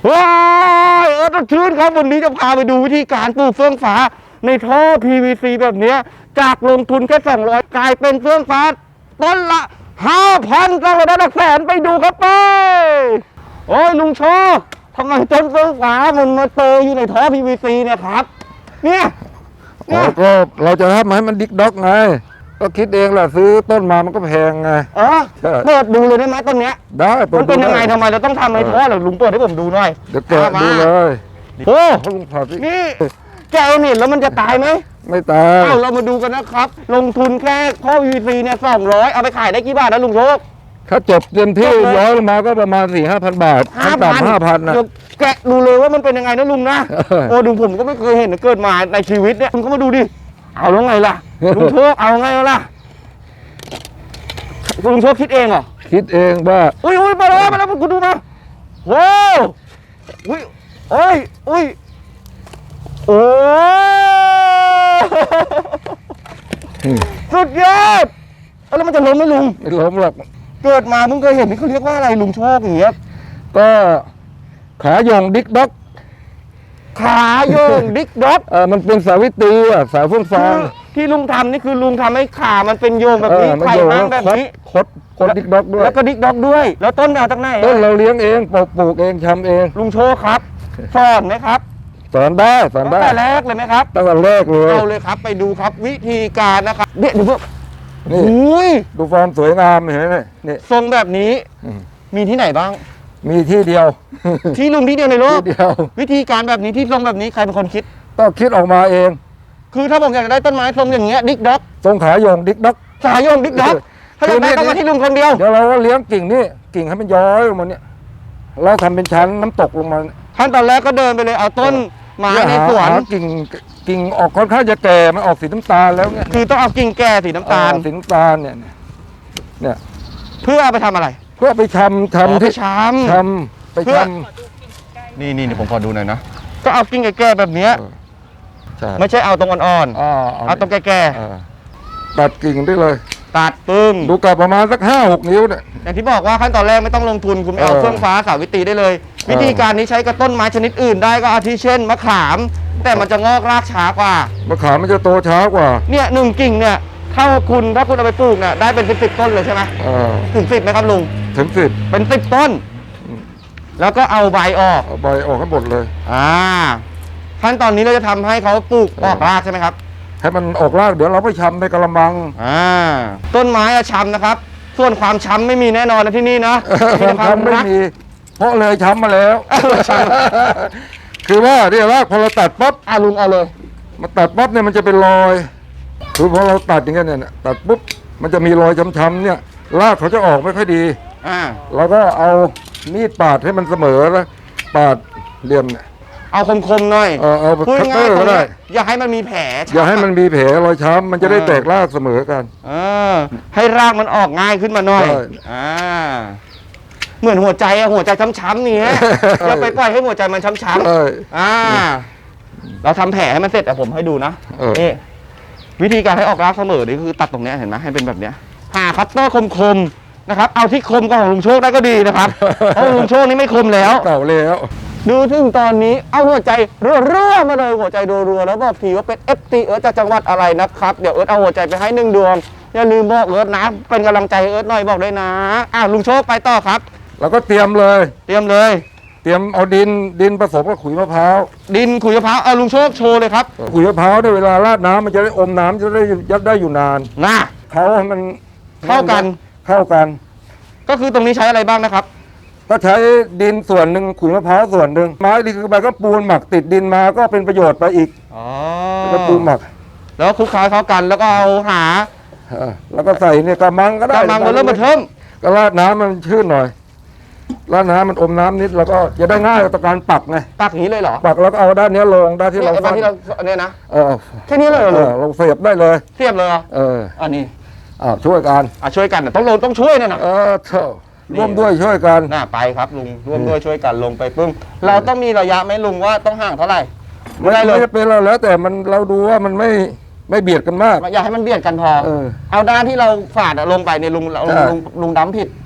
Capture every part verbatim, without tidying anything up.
ว้ายเออต้นชื่นครับวันนี้จะพาไปดูวิธีการปลูกเฟื่องฟ้าในท่อ พี วี ซี แบบนี้จากลงทุนแค่สองร้อยกลายเป็นเฟื่องฟ้าต้นละ ห้าพัน สร้างรายได้หลักแสนไปดูครับไปโอ้ยลุงโชคทำไมต้นเฟื่องฟ้ามันมาเตยอยู่ในท่อ พี วี ซี เนี่ยครับเนี่ยอ๋อก็เราจะทำให้มันดิกด็อกไงก็คิดเองแหละซื้อต้นมามันก็แพงไงเออเปิดดูเลยได้ไหมต้นเนี้ยได้มันเป็นยังไงทำไมเราต้องทำในท่อเหรอลุงเปิดให้ผมดูหน่อยเดี๋ยวแกะดูเลยโอ้ลุงผัดนี่แกเอาเนี่ยแล้วมันจะตายไหมไม่ตายเอาเรามาดูกันนะครับลงทุนแค่ท่อ พี วี ซี เนี่ยสองร้อยเอาไปขายได้กี่บาทนะลุงโชคถ้าจบเต็มที่ร้อยลงมาก็ประมาณสี่ห้าพันบาทขั้นต่ำห้าพันนะแกะดูเลยว่ามันเป็นยังไงนะลุงนะโอ้ดูผมก็ไม่เคยเห็นเกิดมาในชีวิตเนี่ยลุงก็มาดูดิเอาแล้วไงล่ะลุงโชคเอาไงล่ะลุงโชคคิดเองเหรอคิดเองว่าอุ้ยอุ้ยมาแล้วมาแล้วคุณดูมาว้าวอุ้ยโอ้ยอุ้ยโอ้สุดยอดแล้วมันจะล้มไหมลุงไม่ล้มหรอกเกิดมาเพิ่งเคยเห็นนี่เขาเรียกว่าอะไรลุงโชคอย่างเงี้ยก็ขาโยงดิกด็อกขาโยงดิกด็อกเออมันเป็นสาวิตรีอ่ะสายฟุ้งฟางที่ลุงทำนี่คือลุงทำให้ขามันเป็นโยงแบบนี้ไข่ห้างแบบนี้คดคดดิกด็อกด้วยแล้วก็ดิกด็อกด้วยแล้วต้นเอาจากไหนต้นเราเลี้ยงเองปลูกปลูกเองทำเองลุงโชคครับสอนไหมครับสอนได้สอนได้ตั้งแต่แรกเลยไหมครับตั้งแต่แรกเลยเอาเลยครับไปดูครับวิธีการนะครับเดี๋ยวดูพวกนี่ดูฟอร์มสวยงามเห็นไหมนี่ทรงแบบนี้มีที่ไหนบ้างมีที่เดียวที่ลุงที่เดียวในโลกที่เดียววิธีการแบบนี้ที่ทรงแบบนี้ใครเป็นคนคิดก็คิดออกมาเองคือถ้าผมอยากได้ต้นไม้ทรงอย่างเงี้ยดิกด็อกทรงขาโยงดิกด็อกขาโยงดิกด็อกถ้าอยากได้ต้องมาที่ลุงคนเดียวเดี๋ยวเราก็เลี้ยงกิ่งนี่กิ่งให้มันย้อยลงมาเนี่ยเราทำเป็นชั้นน้ำตกลงมาขั้นตอนแรกก็เดินไปเลยเอาต้นไม้ในสวนกิ่งกิ่งออกค่อนข้างจะแก่มันออกสีน้ำตาลแล้วเนี่ยคือต้องเอากิ่งแก่สีน้ำตาลสีน้ำตาลเนี่ยเนี่ยเพื่อไปทำอะไรเพื่อไปชำชำที่ชำชำไปชำนี่นี่ผมขอดูหน่อยนะก็เอากิ่งแก่แบบเนี้ยไม่ใช่เอาตรงอ่อนๆเอาตรงแก่ๆตัดกิ่งได้เลยตัดปึ้งดูกับประมาณสักห้าหกนิ้วเนี่ยอย่างที่บอกว่าขั้นตอนแรกไม่ต้องลงทุนคุณเอาเฟื่องฟ้าสาวิตรีได้เลยวิธีการนี้ใช้กับต้นไม้ชนิดอื่นได้ก็อาทิเช่นมะขามแต่มันจะงอกรากช้ากว่ามะขามมันจะโตช้ากว่าเนี่ยหนึ่งกิ่งเนี่ยถ้าคุณถ้าคุณเอาไปปลูกเนี่ยได้เป็นสิบสิบต้นเลยใช่ไหมถึงสิบไหมครับลุงถึงสิบเป็นสิบต้นแล้วก็เอาใบออกเอาใบออกให้หมดเลยอ่าขั้นตอนนี้เราจะทำให้เขาปลูกออกรากใช่ไหมครับให้มันออกรากเดี๋ยวเราไปชำในกระมังอ่าต้นไม้อะชำนะครับส่วนความช้ำไม่มีแน่นอนนะที่นี่นะความช้ำไม่มีเพราะเลยช้ำมาแล้วคือว่าเรียกรากพอเราตัดปั๊บอ่าลุงเอาเลยมาตัดปั๊บเนี่ยมันจะเป็นรอยคือพอเราตัดอย่างเงี้ยเนี่ยตัดปุ๊บมันจะมีรอยช้ำๆเนี่ยรากเขาจะออกไม่ค่อยดีอ่าเราก็เอามีดปาดให้มันเสมอแล้วปาดเหลี่ยมเนี่ยเอาคมๆหน่อยเออเอาคัตเตอร์ก็ได้อย่าให้มันมีแผลอย่าให้มันมีแผลรอยช้ำมันจะได้แตกรากเสมอกันเออให้รากมันออกง่ายขึ้นมาหน่อยอ่าเหมือนหัวใจอะหัวใจช้ำๆนี่ฮะอย่าไปปล่อยให้หัวใจมันช้ำๆอ่าเราทำแผลให้มันเสร็จอะผมให้ดูนะนี่วิธีการให้ออกรากเสมอนี่คือตัดตรงนี้เห็นไหมให้เป็นแบบเนี้ยหาคัตเตอร์คมๆนะครับเอาที่คมของลุงโชคได้ก็ดีนะครับเพราะลุงโชคนี่ไม่คมแล้วเก่าแล้วดูถึงตอนนี้เอาหัวใจรัวๆมาเลยหัวใจรัวๆแล้วบอกทีว่าเป็น เอฟ ซี เอิร์ธจากจังหวัดอะไรนะครับเดี๋ยวเอิร์ธเอาหัวใจไปให้หนึ่งดวงอย่าลืมบอกเอิร์ธนะเป็นกำลังใจเอิร์ธหน่อยบอกด้วยนะอ่ะลุงโชคไปต่อครับเราก็เตรียมเลยเตรียมเลยเตรียมเอาดินดินผสมกับขุยมะพร้าวดินขุยมะพร้าวเอาลุงโชคโชว์เลยครับขุยมะพร้าวเนี่ยเวลาราดน้ำมันจะได้อมน้ำจะได้ยัดได้อยู่นานนะเขาให้มันเข้ากันเข้ากันก็คือตรงนี้ใช้อะไรบ้างนะครับก็ใช้ดินส่วนหนึ่งขุยมะพร้าวส่วนหนึ่งไม้ดีคือใบก็ปูนหมักติดดินมาก็เป็นประโยชน์ไปอีกอ๋อก็ปูนหมักแล้วคลุกเคล้าเข้ากันแล้วก็เอาหาแล้วก็ใส่เนี่ยกระมังก็ได้กระมังมันเริ่มมาเทิมก็ราดน้ำมันชื้นหน่อยราดน้ำมันอมน้ำนิดแล้วก็จะได้ง่ายต่อการปักไงปักนี้เลยเหรอปักแล้วก็เอาด้านนี้ลงด้านที่เราด้านที่เราเนี่ยนะเออแค่นี้เลยเหรอเราเสียบได้เลยเสียบเลยเอออันนี้อ่าช่วยกันอ่าช่วยกันต้องลงต้องช่วยนะนะเออเท่าร่วมด้วยช่วยกันน่าไปครับลุงร่วมด้วยช่วยกันลงไปปึ้งเราต้องมีระยะไหมลุงว่าต้องห่างเท่าไหร่ไม่ได้เลยเป็นเราแล้วแต่มันเราดูว่ามันไม่ไม่เบียดกันมากอย่าให้มันเบียดกันพอเอาด้านที่เราฝาดลงไปเนี่ยลุงลุงลุงดำผิด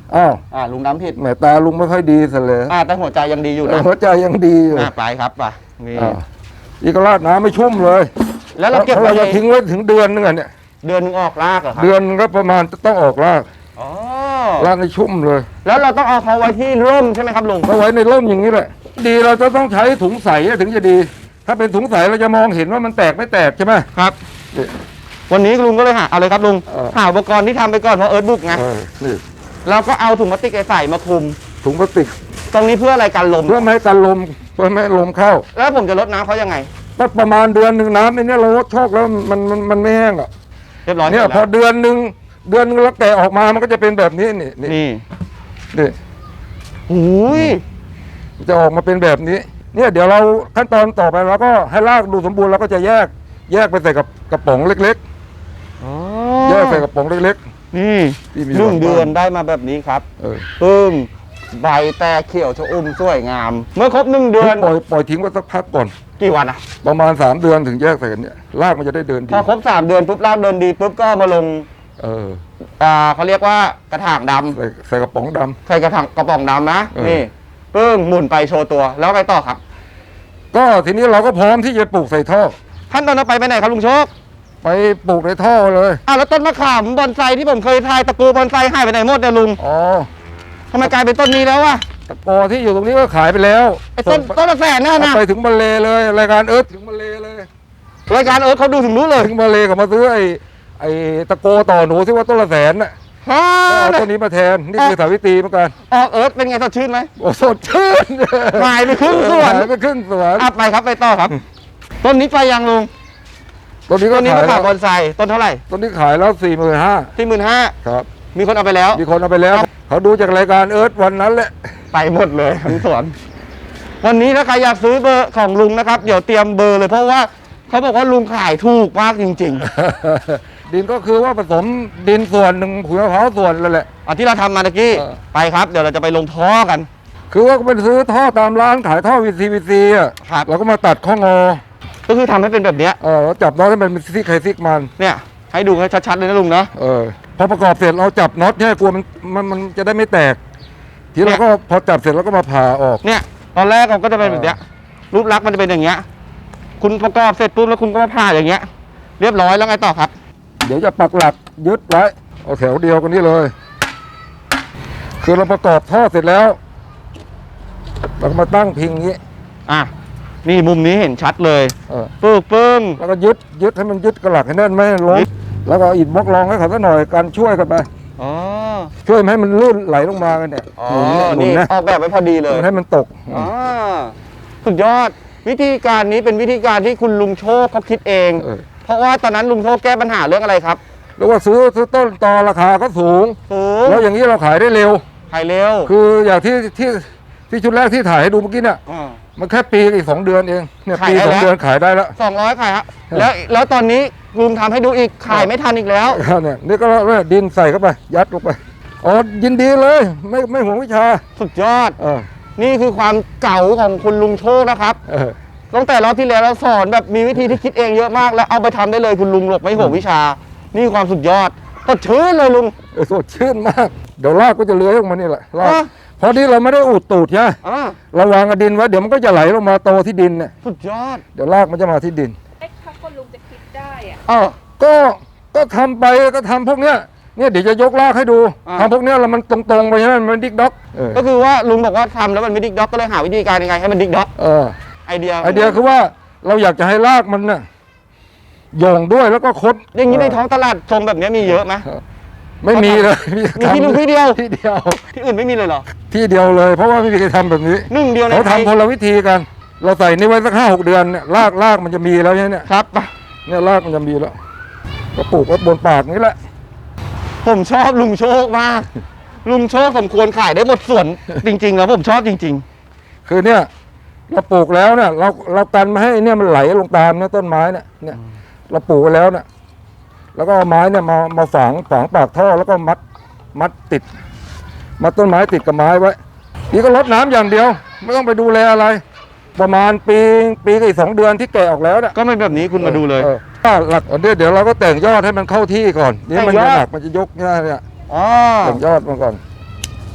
อ้าวอ่าลุงน้ำผิดแหมตาลุงไม่ค่อยดีซะเลยอ่าแต่หัวใจยังดีอยู่แต่นะหัวใจยังดีอยู่อ่าไปครับไปนี่อ้าวอีกราดน้ำไม่ชุ่มเลยแล้วเราเก็บเราไว้จะทิ้งไว้ถึงเดือนนึงอ่ะเนี่ยเดือนหนึงออกรากเหรอครับเดือนก็ประมาณต้องออกรากอ๋อรากให้ชุ่มเลยแล้วเราต้องเอาเขาไว้ที่ร่มใช่ไหมครับลุงเอาไว้ในร่มอย่างนี้แหละดีเราจะต้องใช้ถุงใสถึงจะดี ถ้าเป็นถุงใสเราจะมองเห็นว่ามันแตกไม่แตกใช่ไหมครับนี่วันนี้ลุงก็เลยหาเอาเลยครับลุงเออหาอุปกรณ์ที่ทำไปก่อนเพราะเอิร์ธบุกไงเออนี่เราก็เอาถุงพลาสติกใส่มาคลุมถุงพลาสติกตรงนี้เพื่ออะไรกันลมเพื่อไม่ให้กันลมเพื่อไม่ให้ลมเข้าแล้วผมจะลดน้ำเขายังไงก็ประมาณเดือนหนึ่งน้ำในเนี้เราลดโชคแล้วมันมันมันไม่แห้งอ่ะเรียบร้อยเนี่ยสร็จพอแล้วเดือนหนึ่งเดือนหนึงแล้วแกะออกมามันก็จะเป็นแบบนี้นี่นี่นี่นี่หูยมันจะออกมาเป็นแบบนี้ เนี่ยเดี๋ยวเราขั้นตอนต่อไปเราก็ให้รากดูสมบูรณ์เราก็จะแยกแยกไปใส่กับกระป๋องเล็กอ๋อๆ แยกใส่กระป๋องเล็กนี่ที่มีหนึ่งหลอดเดือนได้มาแบบนี้ครับๆเออปึ้งใบแตกเขียวชอุ่มสวยงาม เมื่อครบหนึ่งเดือนปล่อยปล่อยทิ้งไว้สักพักก่อนกี่วันอะประมาณสามเดือนถึงแยกใส่กันเนี่ยรากมันจะได้เดินดีพอครบสามเดือนปุ๊บรากเดินดีปุ๊บก็มาลงเอออ่าเขาเรียกว่ากระถางดำใส่ใส่กระป๋องดำใส่กระถางกระป๋องดำนะเออนี่ปึ้งหมุนไปโชว์ตัวแล้วไงต่อครับก็ทีนี้เราก็พร้อมที่จะปลูกใส่ท่อขั้นตอนต่อไปไปไหนครับลุงโชคไปปลูกในท่อเลยอ้าวแล้วต้นมะขามบอนไซที่ผมเคยทายตะกูบอนไซหายไปไหนหมดเนี่ยลุงอ๋อทำไมกลายเป็นต้นนี้แล้ววะตะกอที่อยู่ตรงนี้ก็ขายไปแล้วไอ้ต้นส่งต้นละแสนน่ะเอานะไปถึงมาเลเลยรายการเอิร์ธถึงมาเลเลยรายการเอิร์ธเขาดูถึงรู้เลยถึงมาเลก็มาซื้อไอ้ไอ้ตะโกต่อหนูที่ว่าต้นละแสนน่ะฮ่าก็เอาต้นนี้มาแทนนี่คือสาวิตรีเหมือนกันออกเอิร์ธเป็นไงสดชื่นไหมโอ้สดชื่นหายไปครึ่งสวนหายไปครึ่งสวนอ่ะไปครับไปต่อครับ ต้นนี้ไปยังลุงต้นนี้ก็ต้นนี้ขายมะแล้ขามวบอนไซต้นเท่าไหร่ต้นนี้ขายแล้วสี่หมื่นห้าที่หมื่นห้าครับมีคนเอาไปแล้วมีคนเอาไปแล้ว เขาดูจากรายการเอิร์ธวันนั้นแหละไปหมดเลยทั้งสวน วันนี้ถ้าใครอยากซื้อเบอร์ของลุงนะครับ เดี๋ยวเตรียมเบอร์เลยเพราะว่าเขาบอกว่าลุงขายถูกมากจริงดินก็คือว่าผสมดินส่วนหนึ่งขุยมะพร้าวส่วนนั่นแหละๆอ่ะที่เราทำมาตะกี้เออไปครับ เดี๋ยวเราจะไปลงท่อกันคือว่าไปซื้อท่อตามร้านขายท่อวีซีวีซีอ่ะครับเราก็มาตัดข้องอก็คือทำให้เป็นแบบเนี้ยเออแล้วจับน็อตให้มันเป็นซิกใครซิกมันเนี่ย ให้ดูให้ชัดๆเลยนะลุงเนาะเออพอประกอบเสร็จเราจับน็อตเนี่ยกลัวมันมันมันจะได้ไม่แตก ทีเราก็พอจับเสร็จเราก็มาผ่าออกเนี่ยตอนแรกเราก็จะเป็นแบบเนี้ยรูปลักษณ์มันจะเป็นอย่างเงี้ยคุณประกอบเสร็จปุ๊บแล้วคุณก็มาผ่าอย่างเงี้ย เรียบร้อยแล้วไงต่อครับเดี๋ยวจะปักหลักยึดไว้เอาแถวเดียวกันนี้เลย คือเราประกอบท่อเสร็จแล้วเราก็มาตั้งพิงอย่างนี้อ่ะนี่มุมนี้เห็นชัดเลยเออปึ้งปึ้งแล้วก็ยึดยึดให้มันยึดกระหลักให้แน่นไม่ให้ล้มแล้วก็เอาอิฐบล็อกรองให้เขาสักหน่อยกันช่วยกันไปอ๋อช่วยไม่ให้มันลื่นไหลลงมากันเนี่ยอ๋อหนุนเนี่ยหนุนนี่นะออกแบบไว้พอดีเลยมันให้มันตกอ๋อสุดยอดวิธีการนี้เป็นวิธีการที่คุณลุงโชคเขาคิดเองเออเพราะว่าตอนนั้นลุงโชคแก้ปัญหาเรื่องอะไรครับแล้วว่าซื้อซื้อต้นตอราคาก็สูงสูงแล้วอย่างนี้เราขายได้เร็วขายเร็วคืออย่างที่ที่ที่ชุดแรกที่ถ่ายให้ดูเมื่อกี้เนี่ยอ่ามันแค่ปีกับอีกสองเดือนเองเนี่ยขายปีได้สองแล้วเดือนขายได้แล้วสองร้อยขายฮะแล้วแล้วตอนนี้ลุงทำให้ดูอีกขายไม่ทันอีกแล้วเนี่ยนี่ก็เนี่ยดินใส่เข้าไป ยัดลงไปอ๋อยินดีเลยไม่ไม่ห่วงวิชาสุดยอดเออนี่คือความเก่าของคุณลุงโชคนะครับเออตั้งแต่รอบที่แล้วเราสอนแบบมีวิธีที่คิดเองเยอะมากแล้วเอาไปทำได้เลยคุณลุงหลบไม่ห่วงวิชา นี่ความสุดยอดก็ชื่นเลยลุงเออสดชื่นมาก เดี๋ยวรากก็จะเลื้อยออกมานี่แหละรากอ่ะเพราะที่เราไม่ได้อุดตูดใช่ไหมอ่าเราวางกับดินไว้เดี๋ยวมันก็จะไหลลงมาโตที่ดินเนี่ยสุดยอดเดี๋ยวรากมันจะมาที่ดินเอ๊ะถ้าคนลุงจะคิดได้อะเออก็ก็ทำไปก็ทำพวกเนี้ยเนี่ยเดี๋ยวจะยกรากให้ดูอ่าทำพวกเนี้ยแล้วมันตรงๆไปใช่ไหมมันดิกด็อกเออก็คือว่าลุงบอกว่าทำแล้วมันไม่ดิกด็อกก็เลยหาวิธีการยังไงให้มันดิกด็อกเออไอเดียไอเดียคือว่าเราอยากจะให้รากมันน่ะโยงด้วยแล้วก็คดอย่างนี้ในท้องตลาดชมแบบนี้มีเยอะไหมไม่มีเลยมีที่ลุงที่เดียวที่เดียวที่อื่นไม่มีเลยเหรอที่เดียวเลย เพราะว่าไม่มีใครทำแบบนี้หนึ่งเดียวในเขาไทยทำคนละวิธีกัน เราใส่นี่ไว้สักห้าหกเดือนเนี่ยรากรากมันจะมีแล้วเนี่ยครับไปเนี่ยรากมันจะมีแล้วก็ปลูกไว้บนปากนี่แหละผมชอบลุงโชคมาก ลุงโชคสมควรขายได้หมดส่วน จริงๆแล้วผมชอบจริงคือเนี่ยเราปลูกแล้วเนี่ยเราเรากันไม่ให้เนี่ยมันไหลลงตามเนี่ยต้นไม้เนี่ยเนี่ยเราปลูกไว้แล้วเนี่ยแล้วก็เอาไม้เนี่ยมามาฝังฝังปากท่อแล้วก็มัดมัดติดมัดต้นไม้ติดกับไม้ไว้นี่ก็รดน้ำอย่างเดียว ไม่ต้องไปดูแลอะไร ประมาณปีปีกับอีกสองเดือนที่แก่ออกแล้วเนี่ยๆ ก็ไม่แบบนี้คุณมาดูเลยออถ้าหลักอันนี้เดี๋ยวเราก็แต่งยอดให้มันเข้าที่ก่อนนี่มันแต่งยอดจะหนักมันจะยกง่ายเนี่ยอ๋อแต่งยอดมาก่อน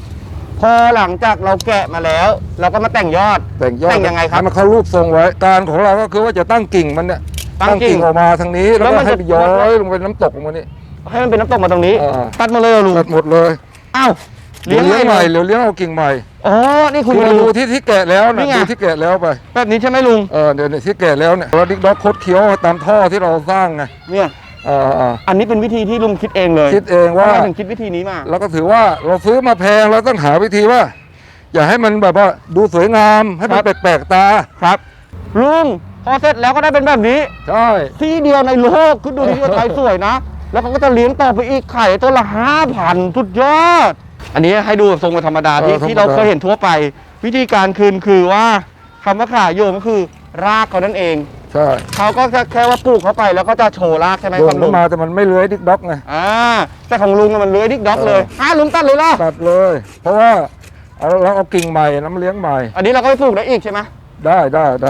พอหลังจากเราแกะมาแล้ว เราก็มาแต่งยอดแต่งยอดแต่งยังไงครับให้มันเข้ารูปทรงไว้การของเราก็คือว่าจะตั้งกิ่งมันเนี่ยตั้งกิ่งออกมาทางนี้แล้วแล้วก็มันให้จะย้อยลงไปน้ำตกลงมานี่ให้มันเป็นน้ำตกมาตรงนี้อ่าตัดมาเลยเหรอลุงตัดหมดเลยอ้าวเลี้เลี้ยยงงใหม่เลยเดี๋ยวเลี้ยงเอากิ่งใหม่อ๋อนี่คุคุณ ณมามาดูดูที่ที่แกะแล้วนี่นะไงดูที่แกะแล้วไปแบบนี้ใช่ไหมลุงเออเดี๋ยวนี้ที่แกะแล้วเนี่ยเราดิกด็อกคดเคี้ยวตามท่อที่เราสร้างไงเนี่ยเออเอออันนี้เป็นวิธีที่ลุงคิดเองเลยคิดเองว่าทำไมถึงคิดวิธีนี้มาเราก็ถือว่าเราซื้อมาแพงเราต้องหาวิธีว่า อย่าให้มันแบบว่าดูสวยงามให้มันแปลกๆตาครับลุงพอเสร็จแล้วก็ได้เป็นแบบนี้ใช่ที่เดียวในโลกคือดูที่ว่าไทยสวยนะ แล้วเขาก็จะเลี้ยงต่อไปอีกไข่ตัวละห้าพันสุดยอด อันนี้ให้ดูแบบทรงธรรมดาที่ที่เราเคยเห็นทั่วไป วิธีการคืนคือว่าคำว่าขาโยงก็คือรากเขานั่นเองใช่เขาก็แค่แค่ว่าปลูกเข้าไปแล้วก็จะโชว์รากใช่ไหมโยครันบลุเข้าง มาแต่มันไม่เลื้อยดิกด็อกไงอ่าแต่ของลุงอะมันเลื้อยดิกด็อกเลยเอออ่าลุงตัดเลยล่ะตัดเลย เพราะว่าเอาเราเอากิ่งใหม่น้ำเลี้ยงใหม่อันนี้เราก็ไปปลูกได้อีกใช่ไหมได้ได้ได้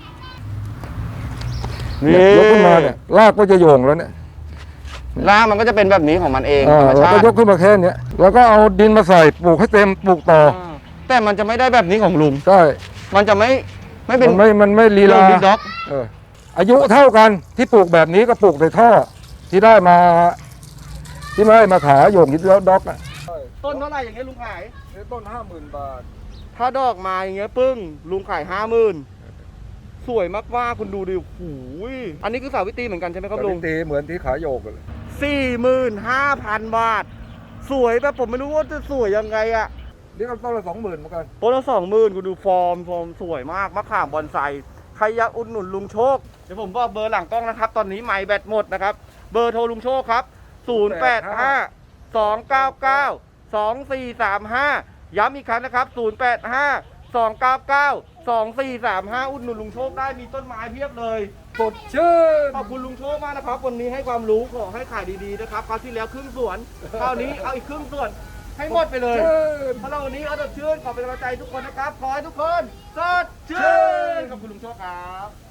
เนี่ยยกขึ้นมาเนี่ยรากก็จะโยงแล้วเนี่ยรากมันก็จะเป็นแบบนี้ของมันเองเอธรอรมเราชาก็ติยกขึ้นมาแค่เนี้ยแล้วก็เอาดินมาใส่ปลูกให้เต็มปลูกต่ออ่าแต่มันจะไม่ได้แบบนี้ของลุงใช่มันจะไม่ไม่เป็นมันไม่มันไม่ลีลุลางดิกด็อกเอออายุเท่ากันที่ปลูกแบบนี้ก็ปลูกในท่อที่ได้มา ที่ไม่ได้มาขายโยงดิกด็อกอ่ะต้นเท่าไหร่อย่างเงี้ยลุงขายต้นห้าหมื่นบาทถ้าดอกมาอย่างเงี้ยปึ้งลุงขายห้าหมื่นสวยมากว่าคุณดูดิโอ้โหยอันนี้คือสาวิตรีเหมือนกันใช่ไหมครับลุงตีเหมือนที่ขายโยกเลยสี่หมื่นห้าพันบาท สวยแบบผมไม่รู้ว่าจะสวยยังไงอะนี่ก็ต้นละสองหมื่นเหมือนกันต้นละสองหมื่นคุณดูฟอร์มฟอร์มสวยมากมะขามบอนไซใครอยากอุดหนุนลุงโชค เดี๋ยวผมบอกเบอร์หลังกล้องนะครับ ตอนนี้ไมค์แบตหมดนะครับ เบอร์โทรลุงโชคครับ ศูนย์ แปด ห้า สอง เก้า เก้า สอง สี่ สาม ห้า ย้ำอีกครั้งนะครับ ศูนย์ แปด ห้า สอง เก้า เก้า สอง สี่ สาม ห้า อุดหนุนลุงโชคได้มีต้นไม้เพียบเลยสดชื่นขอบคุณลุงโชคมากนะครับ วันนี้ให้ความรู้ขอให้ขายดีๆนะครับคราวที่แล้วครึ่งส่วนคราวนี้เอาอีกครึ่งส่วน ให้หมดไปเลยเพราะเราวันนี้เอาสดชื่นขอเป็นกำลังใจทุกคนนะครับ ขอให้ทุกคนสดชื่นขอบคุณลุงโชคครับ